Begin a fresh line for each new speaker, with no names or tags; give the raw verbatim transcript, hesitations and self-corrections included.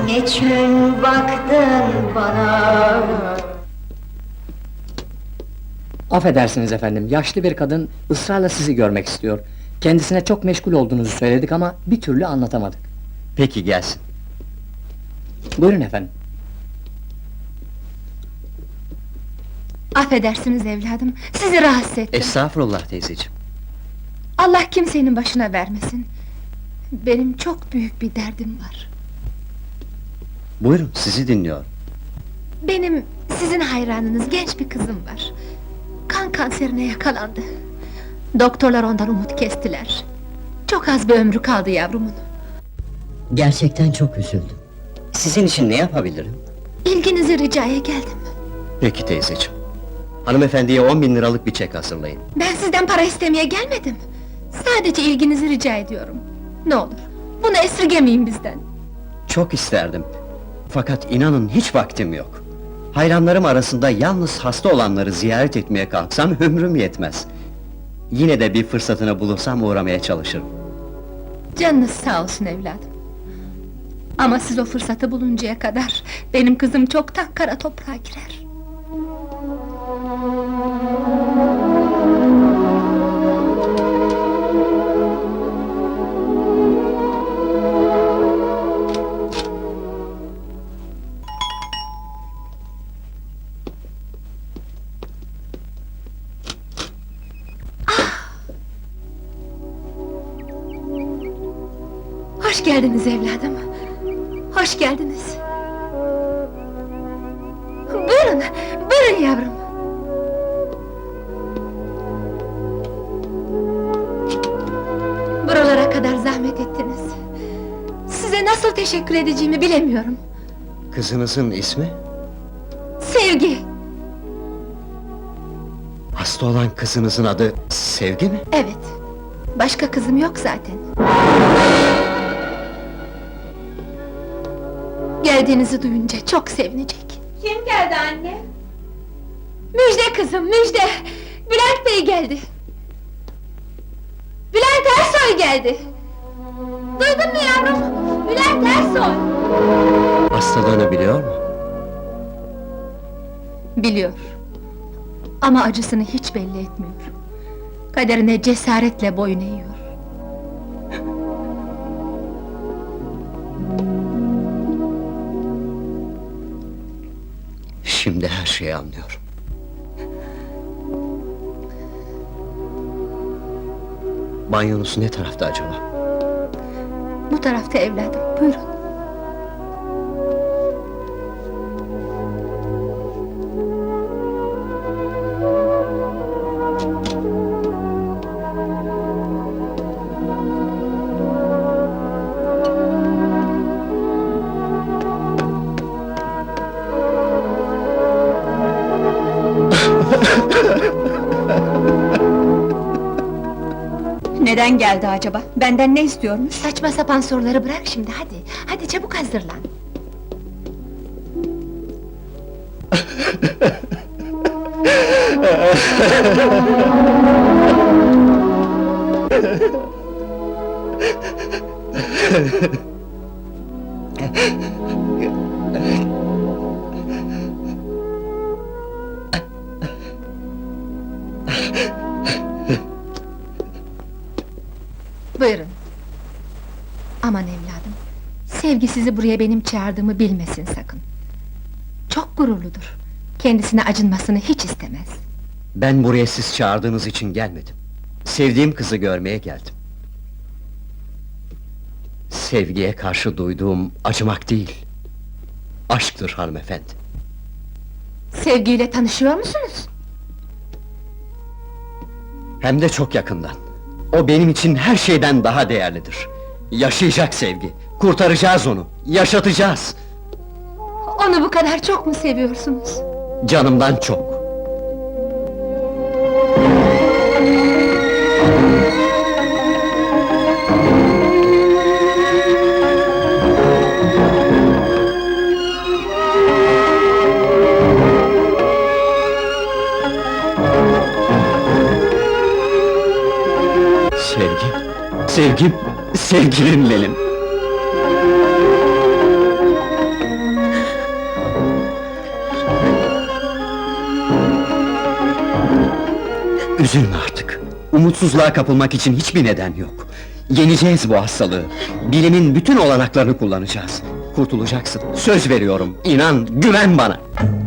Niçin baktın bana?
Affedersiniz efendim, yaşlı bir kadın ısrarla sizi görmek istiyor. Kendisine çok meşgul olduğunuzu söyledik ama bir türlü anlatamadık.
Peki, gelsin.
Buyurun efendim.
Affedersiniz evladım, sizi rahatsız ettim.
Estağfurullah teyzeciğim.
Allah kimsenin başına vermesin. Benim çok büyük bir derdim var.
Buyurun, sizi dinliyorum.
Benim sizin hayranınız genç bir kızım var. Kan kanserine yakalandı. Doktorlar ondan umut kestiler. Çok az bir ömrü kaldı yavrumun.
Gerçekten çok üzüldüm.
Sizin için ne yapabilirim?
İlginizi ricaya geldim.
Peki teyzeciğim. Hanımefendiye on bin liralık bir çek hazırlayın.
Ben sizden para istemeye gelmedim. Sadece ilginizi rica ediyorum. Ne olur, bunu esirgemeyin bizden.
Çok isterdim. Fakat inanın hiç vaktim yok. Hayranlarım arasında yalnız hasta olanları ziyaret etmeye kalksam ömrüm yetmez. Yine de bir fırsatını bulursam uğramaya çalışırım.
Canınız sağ olsun evladım. Ama siz o fırsatı buluncaya kadar benim kızım çoktan kara toprağa girer. Hoş geldiniz evladım. Hoş geldiniz. Buyurun, buyurun yavrum. Buralara kadar zahmet ettiniz. Size nasıl teşekkür edeceğimi bilemiyorum.
Kızınızın ismi?
Sevgi,
Hasta olan kızınızın adı Sevgi mi?
evet. Başka kızım yok zaten. Geldiğinizi duyunca çok sevinecek.
Kim geldi anne?
Müjde kızım, müjde! Bülent Bey geldi! Bülent Ersoy geldi! Duydun mu yavrum? Bülent Ersoy!
Hastalığını biliyor mu?
Biliyor. Ama acısını hiç belli etmiyor. Kaderine cesaretle boyun eğiyor.
Şimdi her şeyi anlıyorum. Banyonuz ne tarafta acaba?
Bu tarafta evladım, buyurun.
Neden geldi acaba? Benden ne istiyormuş?
Saçma sapan soruları bırak şimdi, hadi! Hadi çabuk hazırlan! Buyurun! Aman evladım! Sevgi sizi buraya benim çağırdığımı bilmesin sakın! Çok gururludur! Kendisine acınmasını hiç istemez!
Ben buraya siz çağırdığınız için gelmedim. Sevdiğim kızı görmeye geldim. Sevgiye karşı duyduğum acımak değil, aşktır hanımefendi.
Sevgiyle tanışıyor musunuz?
Hem de çok yakından. O benim için her şeyden daha değerlidir. Yaşayacak Sevgi, kurtaracağız onu, yaşatacağız!
Onu bu kadar çok mu seviyorsunuz?
Canımdan çok! Sevgim, sevgim, sevgilim benim! Üzülme artık. Umutsuzluğa kapılmak için hiçbir neden yok. Yeneceğiz bu hastalığı. Bilimin bütün olanaklarını kullanacağız. Kurtulacaksın. Söz veriyorum. İnan, güven bana.